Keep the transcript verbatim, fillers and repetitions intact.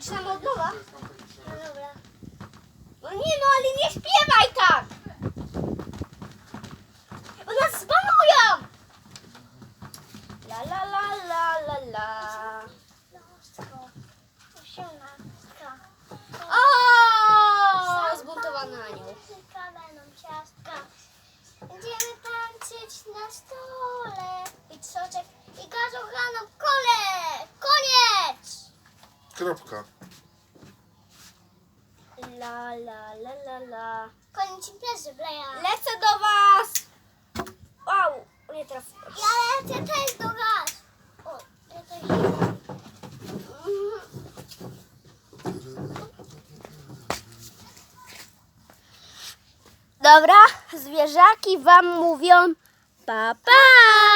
Zaczynamy od nowa? No dobra. No nie no, ale nie śpiewaj tak! Bo nas zbanują! La la la la la la. Lostko. Osiemnastka. O, zbuntowany anioł. Będą ciastka. Będziemy tańczyć na stole. I soczek, i gazowaną kole. Koniec! Kropka. La la la la la. Koniec imprezy, Bleja. Lecę do was! Wow, nie trafiłem. Ja lecę też do was. O, ja też idę. Dobra, zwierzaki wam mówią pa pa!